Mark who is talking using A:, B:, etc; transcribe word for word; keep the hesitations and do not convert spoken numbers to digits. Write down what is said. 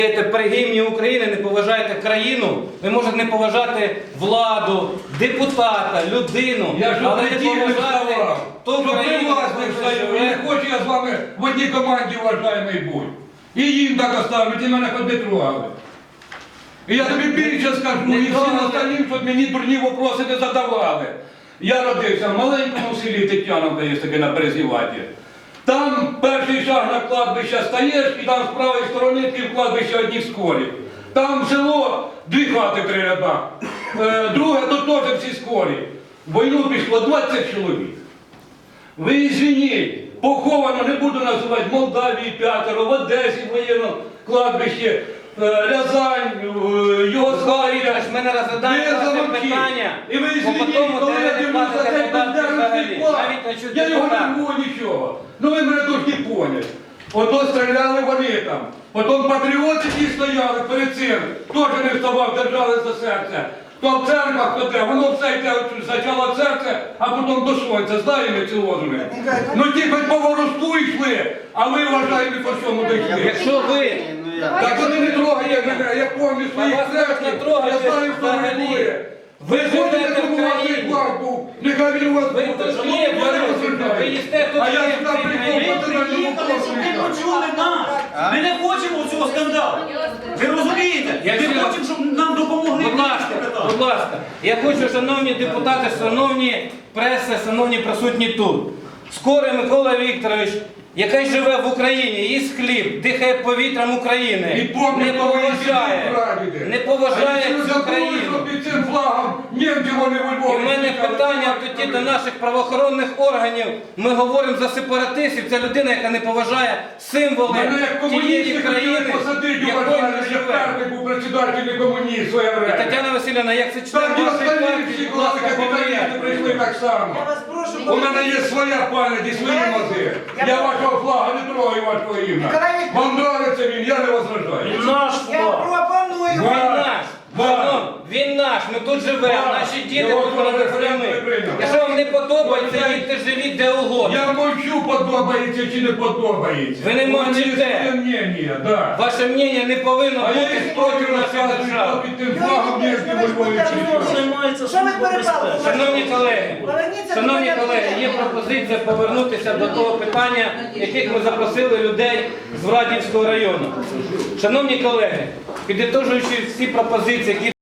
A: При гімні України не поважаєте країну, ви можете не поважати владу, депутата, людину,
B: Я ж
A: але не
B: поважати
A: поважати ту
B: Щоб ви
A: країну,
B: вас не встаю, я не хочу я з вами в одній команді, уважаємий, будь. І їм так оставлять, і мене хоч не трогали. І я тобі більше скажу, і всім остальним, щоб мені дурні вопроси не задавали. Я родився в маленькому селі Тетяновка, є таке на Березіваті. Там перший шаг на кладбище стаєш, і там з правої сторони пів кладбища одні скорі. Там село, дві хати три ряда. Е, друге, тут теж всі скорі. В війну пішло двадцять чоловік. Ви извиніть, поховано, не буду називати, в Молдавії п'ятеро, в Одесі воєнно кладбище, е, Рязань, е, Югославія.
A: Ми не розглядаємо ваше питання,
B: І ви
A: бо
B: извиніть,
A: потім
B: коли я
A: ви
B: дивлюся
A: платите
B: цей
A: податки
B: бандерівський
A: взагалі.
B: план,
A: Навіть на чути
B: я його
A: депутата.
B: не можу нічого. Ну ви мене тільки поняли. Ото стріляли вони там. Потім патріоти ті стояли перед цим. Теж не вставав, держали за серце. Хто в церквах, хто де, воно все йде спочатку серце, а потім до сонця. Знаємо ці лозуни. Ну ті хоч по воросту йшли, а ви вважаєте по всьому дійшли.
A: Якщо ви
B: Так вони не трогають мене, я пам'ятаю своїх
A: вас можна
B: предків,
A: трогати
B: я знаю, хто
A: взагалі.
B: ви були.
A: Ви
B: Ви
A: живете
B: ходите,
A: в
B: тому у вас
A: країні.
B: цей флаг був, нехай він у вас
A: Ви
B: буде.
A: тут хліб
B: Я не
A: варите,
B: розумію.
A: ви їсте тут
B: А я
A: хліб,
B: сюди
A: ви
B: прийшов,
A: приїхали,
B: бо це
C: Приїхали, щоб ви почули нас. Ми не хочемо цього скандалу. Ви розумієте? Ми
A: Якщо-
C: хочемо, щоб нам допомогли.
A: Будь ласка, будь ласка, я хочу, шановні депутати, шановні преси, шановні присутні тут. Скорий Микола Вікторович, який живе в Україні, їсть хліб, дихає повітрям України,
B: І помнить,
A: не
B: кого ви
A: поважає,
B: сидіть, прадіди.
A: не поважає
B: А якщо
A: цю
B: забули,
A: країну.
B: що під цим флагом німці вони у
A: І
B: Львові
A: в мене
B: стояли,
A: питання
B: так,
A: тоді
B: так,
A: до наших правоохоронних органів. Ми говоримо за сепаратистів. Це людина, яка не поважає символи
B: Мене як
A: тієї
B: комуністи
A: країни,
B: хотіли посадити,
A: в якій
B: уважаємо,
A: ми
B: я
A: живемо.
B: перший був председатель комуніст в своє
A: І
B: время.
A: Тетяна Васильівна, як це член
B: Так і
A: вашої
B: остальні
A: партії,
B: всі
A: будь
B: класи
A: ласка,
B: капіталісти
A: повірте.
B: прийшли так само.
D: Я вас прошу,
B: У мене є своя пам'ять і свої мази. Я вашого флага не трогаю, вашого ім'я. Вам нравиться він, я не возражаю.
C: Наш
D: я пропоную.
A: Він наш.
B: Ва.
A: Шановні, він наш, ми тут живемо,
B: Ва.
A: наші діти
B: Його
A: тут
B: треба
A: родилися
B: референдум
A: ми.
B: прийняти.
A: Якщо вам не подобається,
B: Ви
A: їдьте живіть де угодно.
B: Я мовчу, подобається чи не подобається.
A: Ви не
B: У мене є
A: мовчите.
B: своє мнення, да.
A: Ваше мнення не повинно
B: А я
A: бути
B: історію
A: проти нашої
B: розказую,
A: держави.
B: хто під тим флагом німці у Львові прийшли.
C: займається
D: Що ви
C: служба
D: перепали?
C: безпеки.
A: Шановні колеги,
D: Поверніться до
A: шановні
D: порядку
A: колеги, є
D: денного.
A: пропозиція повернутися до того питання, яких ми запросили людей з Врадівського району. Шановні колеги, підітожуючи всі пропозиції, які